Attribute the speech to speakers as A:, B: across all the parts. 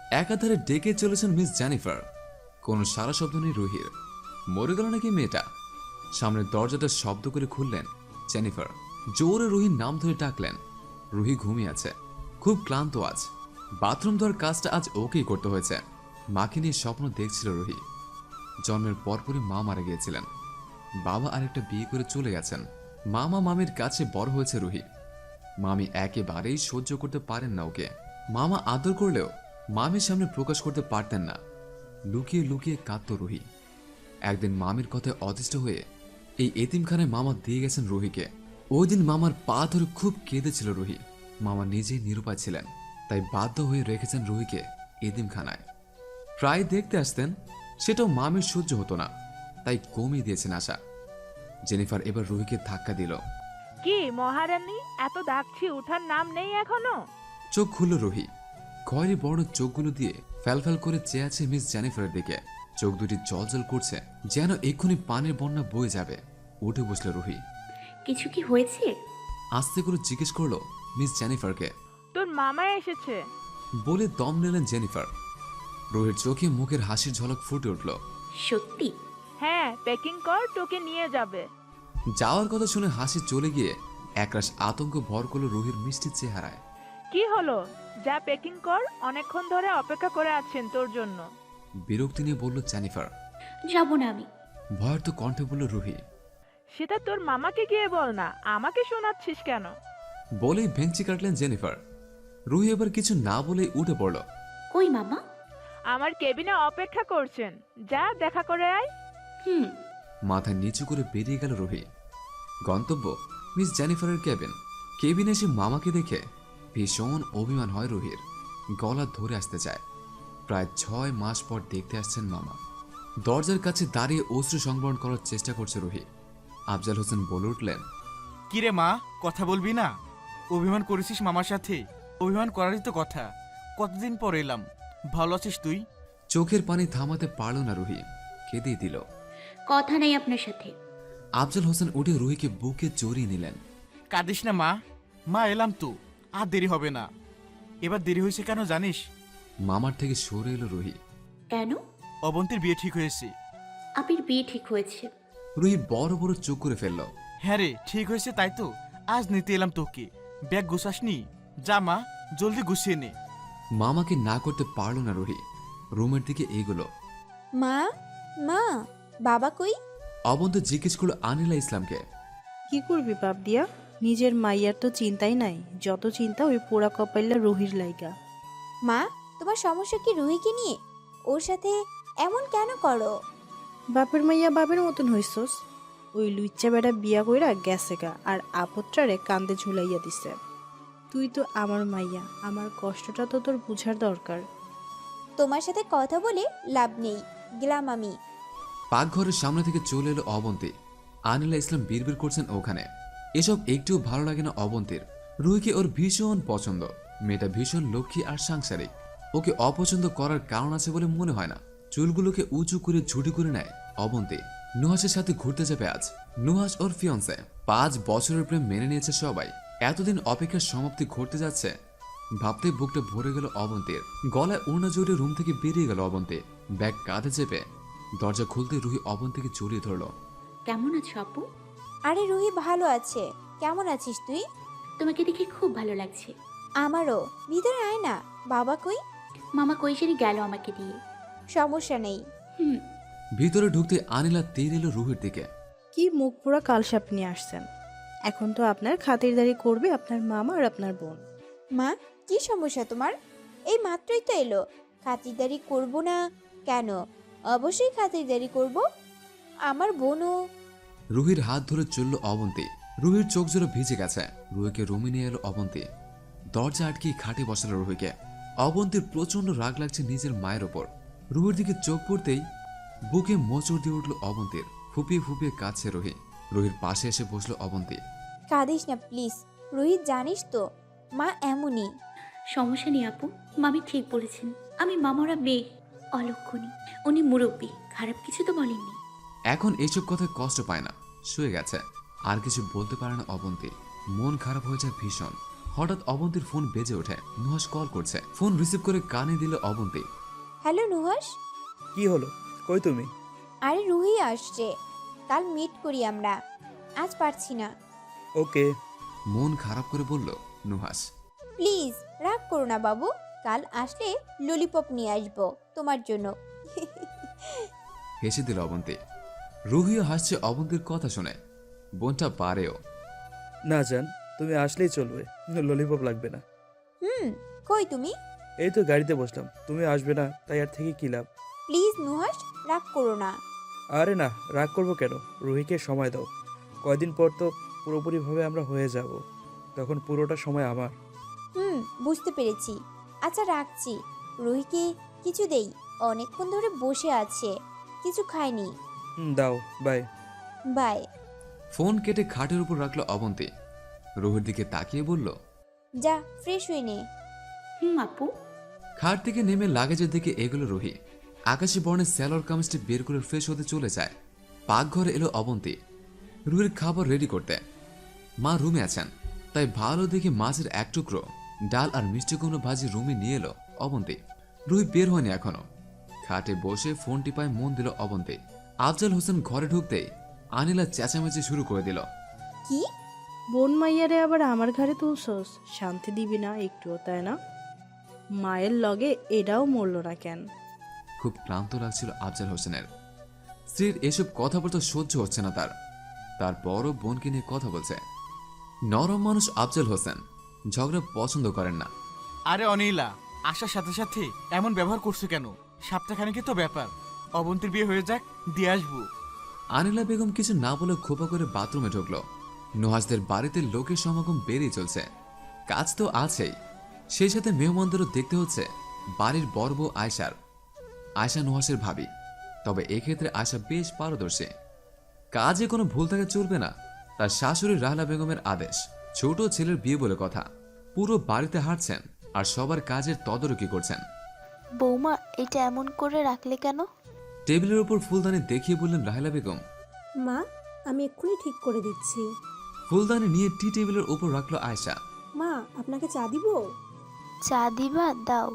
A: একাধারে ডেকে চলেছেন মিস জেনিফার। কোনো সারা শব্দ নেই রুহির। মরে গেল নাকি মেয়েটা? সামনের দরজাটা শব্দ করে খুললেন জেনিফার। জোরে রুহির নাম ধরে ডাকলেন। রুহি ঘুমিয়ে আছে, খুব ক্লান্ত আজ। বাথরুম ধোয়ার কাজটা আজ ওকেই করতে হয়েছে। মাকে নিয়ে স্বপ্ন দেখছিল রুহি। জন্মের পরপরই মা মারা গিয়েছিলেন। বাবা আরেকটা বিয়ে করে চলে গেছেন। মামা মামির কাছে বড় হয়েছে রুহি। মামি একেবারেই সহ্য করতে পারেন না ওকে। মামা আদর করলেও মামির সামনে প্রকাশ করতে পারতেন না। লুকিয়ে লুকিয়ে কাঁদত রুহি। একদিন মামির কথায় অতিষ্ঠ হয়ে এই এতিমখানায় মামা দিয়ে গেছেন রুহিকে। ওই দিন মামার পা ধরে খুব কেঁদেছিল রুহি। মামা নিজেই নিরুপায় ছিলেন, তাই বাধ্য হয়ে রেখেছেন রুহিকে এতিমখানায়। প্রায় দেখতে আসতেন, সেটাও মামির সহ্য হতো না, তাই কমিয়ে দিয়েছেন আশা। জেনিফার এবার রুহিকে ধাক্কা দিল।
B: কি মহারানী, এত ডাকছি উঠার নাম নেই এখনো?
A: চোখ খুলল রুহি। খয়েরি বড় চোখগুলো দিয়ে ফ্যালফ্যাল করে চেয়ে আছে মিস জেনিফারের দিকে। চোখ দুটি জলজল করছে, যেন এক্ষুনি পানির বন্যা বয়ে যাবে। উঠে বসল রুহি।
C: কিছু কি হয়েছে?
A: আস্তে করে জিজ্ঞেস করলো মিস জেনিফারকে।
B: তোর মামা এসেছে।
A: বলে দম নিলেন জেনিফার। রুহির চোখে মুখের হাসির ঝলক ফুটে উঠল।
C: সত্যি?
B: হ্যাঁ, প্যাকিং কর, তোকে নিয়ে যাবে।
A: যাওয়ার কথা শুনে হাসি চলে গিয়ে একরাশ আতঙ্ক ভর করল রুহির মিষ্টি চেহারায়।
B: কি হলো? যা প্যাকিং কর, অনেকক্ষণ ধরে অপেক্ষা করে আছেন তোর জন্য।
A: বিরক্তি নিয়ে বলল জেনিফার।
C: যাব না আমি।
A: ভয়ার্ত কণ্ঠে বলল রুহি।
B: সেটা তোর মামাকে গিয়ে বল না, আমাকে শোনাচ্ছিস কেন?
A: বলেই ভেঙচি কাটলেন জেনিফার। রুহি এবার কিছু না বলেই উঠে পড়ল।
C: কই মামা?
B: আমার কেবিনে অপেক্ষা করছেন, যা দেখা করে আয়।
C: হুম।
A: মাথা নিচু করে বেরিয়ে গেল রুহি। গন্তব্য মিস জেনিফারের কেবিন। কেবিনে এসে মামাকে দেখে ভীষণ অভিমান হয় রুহির। গলা ধরে আসতে চায়। প্রায় 6 মাস পর দেখতে আসছেন মামা। দরজার কাছে দাঁড়িয়ে অশ্রু সংবরণ করার চেষ্টা করছে রুহি। আফজাল হোসেন বলে উঠলেন।
D: কিরে মা, কথা বলবি না? অভিমান করেছিস মামার সাথে? অভিমান করারই তো কথা। কতদিন পর এলাম। ভালো আছিস তুই?
A: চোখের পানি থামাতে পারল না রুহি, কেঁদেই দিল।
C: কথা নাই আপনার সাথে।
A: আফজাল হোসেন উঠে রুহিকে বুকে জড়িয়ে নিলেন।
D: কাঁদিস না মা। মা এলাম তো, আর দেরি হবে না। এবার দেরি হয়েছে কেন জানিস?
A: মামার থেকে সরে এলো রুহি।
C: কেন?
D: অবন্তীর বিয়ে ঠিক হয়েছে।
C: আপির বিয়ে ঠিক হয়েছে?
A: রুহি বড় বড় চোখ করে ফেলল।
D: হ্যাঁ রে, ঠিক হয়েছে, তাই তো আজ নিতে এলাম তোকে। ব্যাগ গুছাসনি? যা মা, জলদি গুছিয়ে নে।
A: মামাকে না করতে পারল না রুহি। রুমের দিকে এগোলো।
E: মা, মা, বাবা কই?
A: অবন্ত জিজ্ঞেস করলো আনিলা ইসলামকে।
F: কি করবি বাপ দিয়া? নিজের মাইয়ার তো চিন্তাই নাই, যত চিন্তা ওই পোড়া কপাইলা রুহির লাইগা।
E: মা, তোমার সমস্যা কি রুহিকে নিয়ে? ওর সাথে এমন কেন করো?
F: বাপের মাইয়া বাপের মতন হইছস। ওই লুইচ্চা বেটা বিয়া কইরা গেছে গা, আর আপত্রারে কান্দে ঝুলাইয়া দিছে। তুই তো আমার মাইয়া, আমার কষ্টটা তো তোর বুঝার দরকার।
E: তোমার সাথে কথা বলে লাভ নেই, গেলাম আমি।
A: পাকঘরের সামনে থেকে চলে এলো অবন্তী। আনিলা ইসলাম বিড়বিড় করছেন ওখানে। এসব একটুও ভালো লাগে না অবন্তীর। রুহিকে ওর ভীষণ পছন্দ। মেয়েটা ভীষণ লক্ষ্মী আর সাংসারিক। ওকে অপছন্দ করার কারণ আছে বলে মনে হয় না। চুলগুলোকে উঁচু করে ঝুটি করে নেয় অবন্তী। নুহাসের সাথে ঘুরতে যাবে আজ। নুহাস ওর ফিয়ন্সে। 5 বছরের প্রেম মেনে নিয়েছে সবাই। এতদিন অপেক্ষার সমাপ্তি ঘটতে যাচ্ছে ভাবতে বুকটা ভরে গেল অবন্তীর। গলায় ওড়না জড়িয়ে রুম থেকে বেরিয়ে গেল অবন্তী। ব্যাগ কাঁধে চেপে দরজা খুলতে রুহি অবন্তীকে জড়িয়ে ধরল।
C: কেমন আছো আপু?
E: আরে রুহি ভালো আছে, কেমন আছিস তুই?
C: তোমাকে দেখে খুব ভালো লাগছে।
E: আমারও। ভিতরে আয় না। বাবা কই?
C: মামা কই জানি গেল আমাকে দিয়ে।
E: সমস্যা নেই।
C: হুম।
A: ভিতরে ঢুকতে আনিলা তেড়ে এলো রুহির দিকে।
F: কি মুখ পোড়া কালসাপ নিয়ে আসছেন? এখন তো আপনার খাতিরদারি করবে আপনার মামা আর আপনার বোন।
E: মা, কি সমস্যা তোমার? এই মাত্রই তো এলো। খাতিরদারি করব না কেন? অবশ্যই খাতিরদারি করব। আমার বোনও।
A: রুহির হাত ধরে চলল অবন্তী। রুহির চোখ জোরে ভিজে গেছে। রুহিকে রুমে নিয়ে এলো অবন্তী। দরজা আটকে খাটে বসালো রুহিকে। অবন্তীর প্রচন্ড রাগ লাগছে নিজের মায়ের ওপর। রুহির দিকে চোখ পড়তেই বুকে মোচড় দিয়ে উঠল অবন্তীর। ফুপিয়ে ফুপিয়ে কাঁদছে রুহি। রুহির পাশে এসে বসলো অবন্তী।
E: কাঁদিস না প্লিজ। রোহিত, জানিস তো মা এমনই।
C: সমস্যা নেই আপু, মামি ঠিক বলেছেন। আমি মামারা মেয়ে, অলক্ষণী। উনি মুরব্বী, খারাপ কিছু তো বলেননি।
A: এখন এইসব কথায় কষ্ট পায় না, শুয়ে গেছে। আর কিছু বলতে পারে না অবন্তী। মন খারাপ হয়ে যায় ভীষণ। হঠাৎ অবন্তীর ফোন বেজে ওঠে। নুহাস কল করছে। ফোন রিসিভ করে কানে দিল অবন্তী।
E: হ্যালো নুহাস।
G: কি হলো, কই তুমি?
E: আরে রুহি আসছে, কাল মিট করি আমরা, আজ পারছি না।
G: ওকে।
A: মন খারাপ করে বলল নুহাস।
E: প্লিজ রাগ করো না বাবু, কাল আসলে ললিপপ নিয়ে আসবো তোমার জন্য।
A: হেসে দিল অবন্তী। রুহিও হাসছে অবন্তীর কথা শুনে। বোনটা পারেও।
G: না জান, তুমি আসলেই চলবে, ললিপপ লাগবে না।
E: কই তুমি?
G: এই তো গাড়িতে বসলাম, তুমি আসবে না তাই আর থেকে কি লাভ?
E: প্লিজ নুহাস রাগ করো না।
G: আরে না, রাগ করবো কেন? রুহিকে সময় দাও, কয়দিন পর তো পুরোপুরিভাবে আমরা হয়ে যাব, তখন পুরোটা সময় আমার।
E: বুঝতে পেরেছি। আচ্ছা রাখছি। রুহিকে কিছু দেই, অনেকক্ষণ ধরে বসে আছে, কিছু খায়নি।
G: দাও, বাই।
E: বাই।
A: ফোন কেটে খাটের উপর রাখলো অবন্তী। রুহির দিকে তাকিয়ে বলল,
E: যা ফ্রেশ হয়ে নে।
C: আপু।
A: খাট থেকে নেমে লাগেজের দিকে এগোলো রুহি। আকাশি বর্ণের স্যালোর কামিজটি বের করে ফ্রেশ হতে চলে যায়। পাকঘরে এলো অবন্তী রুহির খাবার রেডি করতে। মা রুমে আছেন, তাই ভালো দেখে মাছের এক টুকরো, ডাল আর মিষ্টি কুমড়ো ভাজি রুমে নিয়ে এলো অবন্তী। রুহি বের হয়নি এখনো। খাটে বসে ফোন টিপায় মন দিল অবন্তী। আফজাল হোসেন ঘরে ঢুকতেই আনিলা চেঁচামেচি শুরু করে দিল।
E: কি?
F: বোন মাইয়ারে আবার আমার ঘরে তুলছস? শান্তি দিবি না একটুও, তাই না? মায়ের লগে এটাও মরল না কেন?
A: খুব ক্লান্ত লাগছিল আফজাল হোসেনের। স্ত্রীর এসব কথাবার্তা সহ্য হচ্ছে না তারপরও বোনকে নিয়ে কথা বলছে। নরম মানুষ আফজাল হোসেন, ঝগড়া পছন্দ করেন না।
D: আরে অনিলা, আসার সাথে সাথে এমন ব্যবহার করছো কেন? সপ্তাহখানেকই তো ব্যাপার, অবন্তীর বিয়ে হয়ে যাক, দিয়ে আসবো।
A: আনিলা বেগম কিছু না বলে খোপা করে বাথরুমে ঢুকলো। নুহাসদের বাড়িতে লোকের সমাগম বেড়েই চলছে। কাজ তো আছেই, সেই সাথে মেহমানদেরও দেখতে হচ্ছে। বাড়ির বড় বউ আয়শা নুহাসের ভাবি, তবে এক্ষেত্রে আয়শা বেশ পারদর্শী। কাজে কোনো ভুল থাকা চলবে না, তার শাশুড়ি রাহলা বেগমের আদেশ। ছোট ছেলের বিয়ে বলে কথা, পুরো বাড়িতে হাঁটছেন আর সবার কাজের তদারকি করছেন।
H: বৌমা, এটা এমন করে রাখলে কেন?
A: টেবিলের উপর ফুলদানি দেখিয়ে বললেন রাহেলা বেগম।
I: মা, আমি এক্ষুনি ঠিক করে দিচ্ছি।
A: ফুলদানি নিয়ে টি টেবিলের উপর রাখলো আয়শা।
I: মা, আপনাকে চা দিব?
H: চা দিবা? দাও।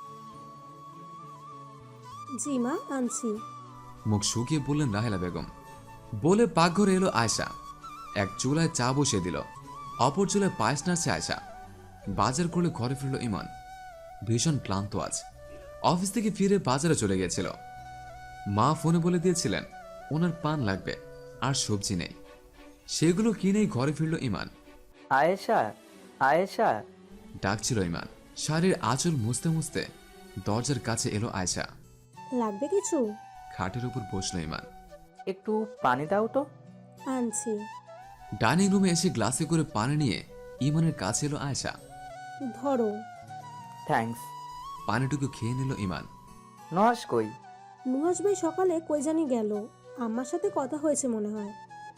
I: জি মা, আনছি।
A: মুখ শুকিয়ে বললেন রাহেলা বেগম। বলে পাকঘরে এলো আয়শা। এক চুলায় চা বসিয়ে দিল, অপর চুলায় পায়েস নাড়ছে আয়শা। বাজার করে ঘরে ফিরল ইমান। ভীষণ ক্লান্ত আজ, অফিস থেকে ফিরে বাজারে চলে গিয়েছিল। মা ফোনে বলে দিয়েছিলেন ওনার পান লাগবে আর সবজি নেই, সেগুলো কিনেই ঘরে ফিরল ইমান।
J: আয়েশা, আয়েশা,
A: ডাকছিল ইমান। শাড়ির আঁচল মুছতে মুছতে দরজার কাছে এলো আয়শা।
I: লাগবে কিছু?
A: খাটের উপর বসলো ইমান।
J: একটু পানি দাও তো।
I: আনছি।
A: ডাইনিং রুমে এসে গ্লাসে করে পানি নিয়ে ইমানের কাছে এলো আয়শা।
I: ধরো।
J: থ্যাঙ্কস।
A: পানিটুকু খেয়ে নিল ইমান।
J: নহাস কই?
I: নুহাস ভাই সকালে কই জানি গেল, আমার সাথে কথা হয়েছে মনে হয়।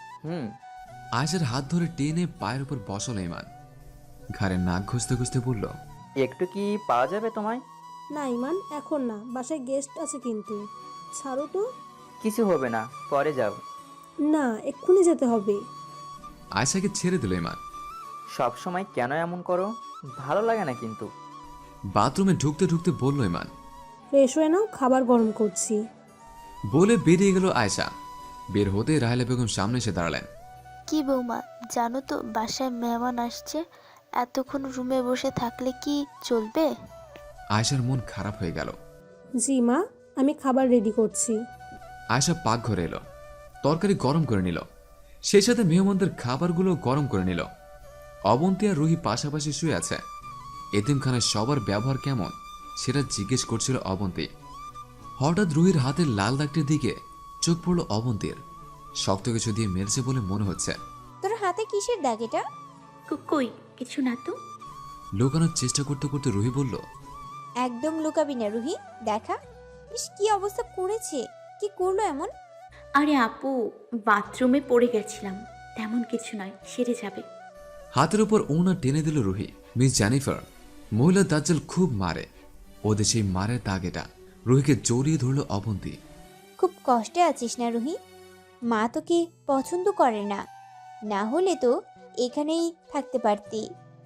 A: আয়শার হাত ধরে টেনে পায়ের উপর বসল ইমান। ঘাড়ে নাক ঘষতে ঘষতে বলল,
J: একটু কি পাওয়া যাবে তোমায়?
I: না ইমান, এখন না, বাসায় গেস্ট আছে কিন্তু। ছাড়ো তো।
J: কিছু হবে না, পরে যাও।
I: না, এক্ষুনি যেতে হবে।
A: আয়শাকে ছেড়ে দিল ইমান।
J: সব সময় কেন এমন করো? ভালো লাগে না কিন্তু।
A: বাথরুমে ঢুকতে ঢুকতে বলল ইমান।
I: ফ্রেশ হয়ে নাও, খাবার গরম করছি।
A: বলে বেরিয়ে গেল আয়শা। বের হতে রাহেলা বেগম সামনে এসে দাঁড়ালেন।
H: কি বৌমা, জানো তো বাসায় মেহমান আসছে, এতক্ষণ রুমে বসে থাকলে কি চলবে?
A: আয়শার মন খারাপ হয়ে গেল।
I: জি মা, আমি খাবার রেডি করছি।
A: আয়শা পাকঘরে এলো, তরকারি গরম করে নিল, সেই সাথে মেহমানদের খাবারগুলো গরম করে নিল। অবন্তী আর রুহি পাশাপাশি শুয়ে আছে। এতিমখানায় সবার ব্যবহার কেমন সেটা জিজ্ঞেস করছিল অবন্তী। হঠাৎ রুহির হাতের লাল দাগটির দিকে চোখ পড়ল অবন্তীর। শক্ত কিছু দিয়ে মেরেছে বলে মনে হচ্ছে।
E: তোর হাতে কিসের দাগ এটা?
C: কই কিছু না তো।
A: লুকানোর চেষ্টা করতে করতে রুহি বলল,
E: একদম লুকাবি না রুহি, দেখা। ইস কি অবস্থা করেছে, কি করলো এমন?
C: আরে আপু, বাথরুমে পড়ে গেছিলাম, তেমন কিছু নয়, সেরে যাবে।
A: হাতের উপর ওনা টেনে দিল রুহি। মিস জেনিফার, মহিলা দাজ্জাল খুব মারে, ওদের সেই মারের দাগ এটা। রুহিকে জড়িয়ে ধরল অবন্তী।
E: খুব কষ্টে আছিস না রুহি? মা তোকে পছন্দ করে না, না হলে তো এখানেই থাকতে পারতি।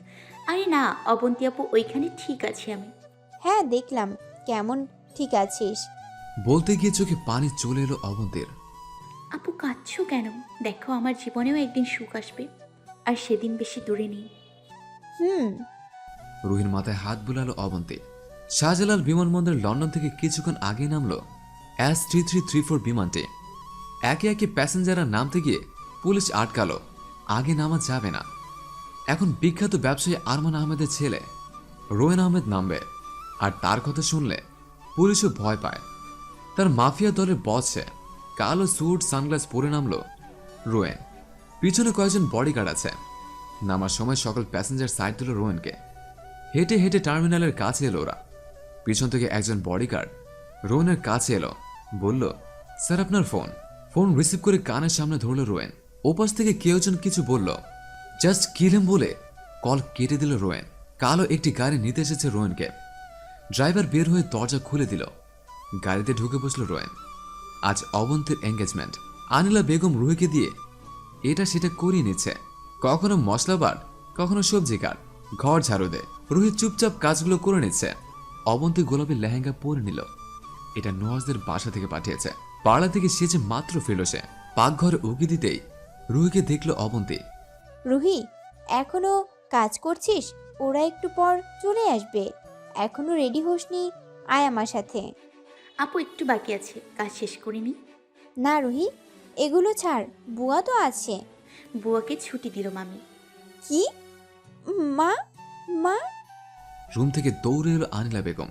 C: আরে না অবন্তী আপু, ওইখানে ঠিক আছি আমি।
E: হ্যাঁ দেখলাম, কেমন ঠিক আছিস?
A: বলতে গিয়ে চোখে পানি চলে এলো অবন্তীর।
C: আপু কাঁদছো কেন? দেখো আমার জীবনেও একদিন সুখ আসবে, আর সেদিন বেশি দূরে নেই।
E: হুম।
A: রুহির মাথায় হাত বুলালো অবন্তী। শাহজালাল বিমানবন্দর লন্ডন থেকে কিছুক্ষণ আগে নামলো S3334 বিমানটি। একে একে প্যাসেঞ্জাররা নামতে গিয়ে পুলিশ আটকালো, আগে নামা যাবে না। এখন বিখ্যাত ব্যবসায়ী আরমান আহমেদের ছেলে রোয়েন আহমেদ নামবে, আর তার কথা শুনলে পুলিশও ভয় পায়। তার মাফিয়া দলের বস সে। কালো স্যুট সানগ্লাস পরে নামলো রোয়েন। পিছনে কয়েকজন বডিগার্ড আছে। নামার সময় সকল প্যাসেঞ্জার সাইড দিল রোয়েনকে। হেঁটে হেঁটে টার্মিনালের কাছে এলো ওরা। পিছন থেকে একজন বডিগার্ড রোয়েনের কাছে এলো, বলল, স্যার আপনার ফোন। ফোন রিসিভ করে কানের সামনে ধরল রোয়েন। ওপাশ থেকে কেউ জন কিছু বলল, জাস্ট কিল হিম বলে কল কেটে দিল রোয়েন। কালো একটি গাড়ি নিতে এসেছে রোয়েনকে। ড্রাইভার বের হয়ে দরজা খুলে দিল। গাড়িতে ঢুকে বসল রোয়েন। আজ অবন্তীর এঙ্গেজমেন্ট। আনিলা বেগম রুহিকে দিয়ে এটা সেটা করিয়ে নিচ্ছে। কখনো মশলা বাট, কখনো সবজি কাট, ঘর ঝাড়ু দে। রুহি চুপচাপ কাজগুলো করে নিচ্ছে। অবন্তী গোলাপি লেহেঙ্গা পরে নিল। এটা নওয়াজদের বাসা থেকে পাঠিয়েছে। পাড়া থেকে সেজে মাত্র ফিরল সে। পাকঘরে উকি দিতেই রুহিকে দেখল অবন্তী।
E: রুহি, এখনো কাজ করছিস? ওরা একটু পর চলে আসবে। এখনো রেডি হোসনি, আয় আমার সাথে।
C: আপু একটু বাকি আছে, কাজ শেষ করে নি।
E: না রুহি, এগুলো ছাড়, বুয়া তো আছে।
C: বুয়াকে ছুটি দিল মামি।
E: কি? মা? মা?
A: রুম থেকে দৌড়ে এলো আনিলা বেগম।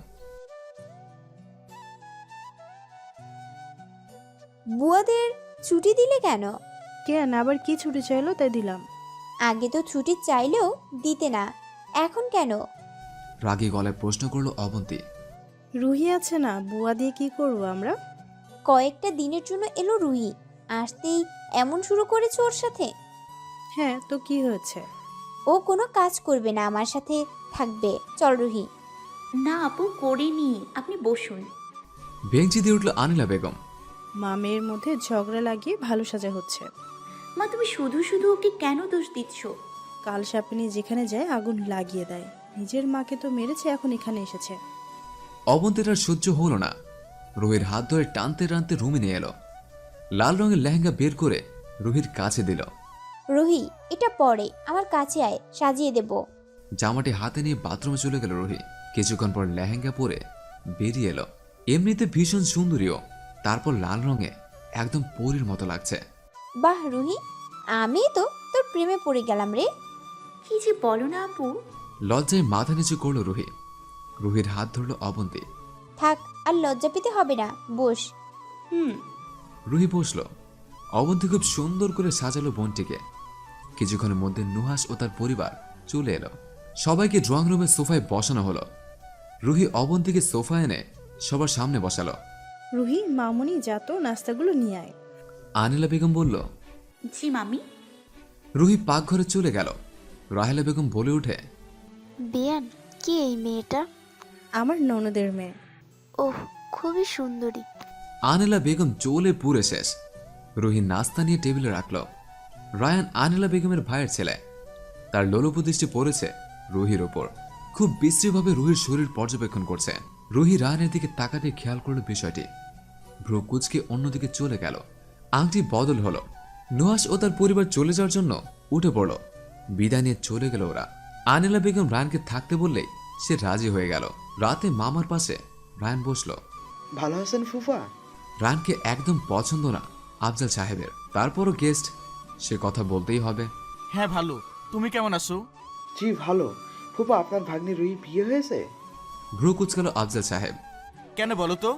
E: বুয়াদের ছুটি দিলে কেন?
F: কেন আবার কি ছুটি চাইলো তাই দিলাম।
E: আগে তো ছুটি চাইলেও দিতে না, এখন কেন?
A: রাগী গলায় প্রশ্ন করলো অবন্তী।
F: রুহি আছে না, বুয়া দিয়ে কি করব আমরা?
E: কয়েকটা দিনের জন্য এলো রুহি, আসতেই এমন শুরু করেছে ওর সাথে?
F: হ্যাঁ তো কি হয়েছে?
E: ও কোনো কাজ করবে না, আমার সাথে থাকবে। চল রুহি।
C: না আপু করিনি, আপনি বসুন।
A: বেঞ্চি দিয়ে উঠল আনিলা বেগম।
F: মা মেয়ের মধ্যে ঝগড়া লাগিয়ে ভালো সাজা হচ্ছে।
C: মা তুমি শুধু শুধু ওকে কেন দোষ দিচ্ছ?
F: কাল সাপিনী যেখানে যায় আগুন লাগিয়ে দেয়। নিজের মাকে তো মেরেছে, এখন এখানে এসেছে।
A: অবন্তীর আর সহ্য হলো না। রুহির হাত ধরে টানতে টানতে রুমে নিয়ে এলো। লাল রঙের লেহেঙ্গা বের করে রুহির কাছে দিল।
E: রুহি, এটা পরে আমার কাছে আয়, সাজিয়ে দেব।
A: জামাটি হাতে নিয়ে বাথরুমে চলে গেল রুহি। কিছুক্ষণ পর লেহেঙ্গা পরে বেরিয়ে এলো। এমনিতে ভীষণ সুন্দরীও, তারপর লাল রঙে একদম পরীর মতো লাগছে।
E: বাহ রুহি, আমি তো তোর প্রেমে পড়ে গেলাম রে।
C: কি যে বলো না আপু।
A: লজ্জায় মাথা নিচু করলো রুহি। রুহির হাত ধরল অবন্তী।
E: থাক, আর লজ্জা পেতে হবে না, বস।
C: হুম।
A: রুহি বসল। অবন্তী খুব সুন্দর করে সাজালো বোনটিকে। কিছুক্ষণের মধ্যে নুহাস ও তার পরিবার চলে এলো। সবাইকে ড্রয়িং রুমের সোফায় বসানো হলো। রুহি অবন্তীকে সোফা এনে সবার সামনে বসালো।
F: রুহি মামুনি যা তো নাস্তাগুলো নিয়ে আয়।
A: আনিলা বেগম বলল।
C: জি মামি।
A: রুহি পাকঘরে চলে গেল। রাহেলা বেগম বলে উঠে,
H: বেয়ান, কে এই মেয়েটা?
F: আমার ননদের মেয়ে।
H: ওহ, খুবই সুন্দরী।
A: আনিলা বেগম চলে পুরে শেষ। রুহি নাস্তা নিয়ে টেবিলে রাখল। রায়ান আনিলা বেগমের ভাইয়ের ছেলে। তার লোলুপ দৃষ্টি পড়েছে রুহির ওপর। খুব বিশ্রীভাবে রুহির শরীর পর্যবেক্ষণ করছে। রুহি রায়ানের দিকে তাকাতে খেয়াল করল বিষয়টি। ভ্রু কুচকে অন্যদিকে চলে গেল। আংটি বদল হলো। নুহাস ও তার পরিবার চলে যাওয়ার জন্য উঠে পড়ল। বিদায় নিয়ে চলে গেল ওরা। আনিলা বেগম রায়ানকে থাকতে বললেই সে রাজি হয়ে গেল। রাতে মামার পাশে রায়ান বসল।
G: ভালো আছেন ফুফা?
A: রায়ানকে একদম পছন্দ না আফজাল সাহেবের, তারপরও গেস্ট, সে কথা বলতেই হবে।
D: হ্যাঁ ভালো, তুমি কেমন আছো?
G: জি ভালো। ফুফা আপনার ভাগ্নি রুহি বিয়ে হয়েছে?
A: ভ্রু কুচকাল আফজাল সাহেব।
D: কেন বলো তো?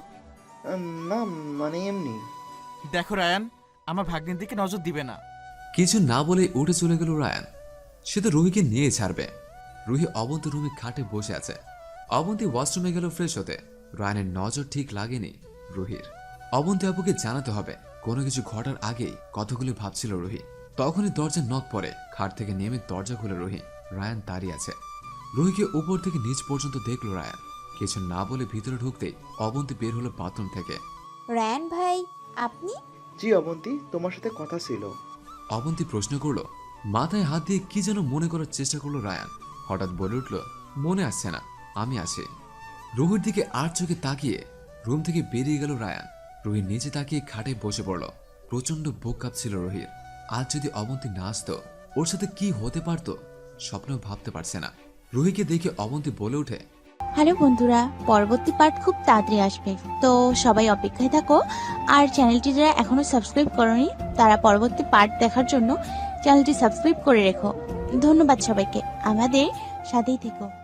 G: না মানে এমনি।
D: দেখো রায়ান, আমার ভাগ্নির দিকে নজর দিবে না।
A: কিছু না বলে উঠে চলে গেল রায়ান। সে তো রুহিকে নিয়ে ছাড়বে। রুহি অবন্তী রুমে খাটে বসে আছে। অবন্তী ওয়াশরুমে গেল ফ্রেশ হতে। রায়ানের নজর ঠিক লাগেনি রুহির। অবন্তী আপুকে জানাতে হবে। কোনো কিছু ঘটার আগেই কতগুলি ভাবছিল রুহি। তখনই দরজা নক পড়ে। খাট থেকে নেমে দরজা খুলে রুহি। রায়ান দাঁড়িয়ে আছে। রুহিকে উপর থেকে নিচ পর্যন্ত দেখলো রায়ান। কিছু না বলে ভিতরে ঢুকতেই অবন্তী বের হলো বাথরুম থেকে।
E: রায়ান ভাই, আপনি?
G: জি অবন্তী, তোমার সাথে কথা ছিল।
A: অবন্তী প্রশ্ন করলো। মাথায় হাত দিয়ে কি যেন মনে করার চেষ্টা করলো রায়ান। হঠাৎ বলে উঠল, মনে আসছে না, আমি আসি। রুহির দিকে আর চোখে তাকিয়ে রুম থেকে বেরিয়ে গেল রায়ান। রুহি নিচে তাকিয়ে খাটে বসে পড়ল। প্রচন্ড বুক কাঁপছিল রুহির। আজ যদি অবন্তী না আসতো, ওর সাথে কি হতে পারতো স্বপ্নেও ভাবতে পারছে না। রুহিকে দেখে অবন্তী বলে ওঠে,
K: হ্যালো বন্ধুরা, পরবর্তী পার্ট খুব তাড়াতাড়ি আসবে, তো সবাই অপেক্ষায় থাকো। আর চ্যানেলটি যারা এখনো সাবস্ক্রাইব করোনি তারা পরবর্তী পার্ট দেখার জন্য চ্যানেলটি সাবস্ক্রাইব করে রেখো। ধন্যবাদ সবাইকে, আমাদের সাথেই থেকো।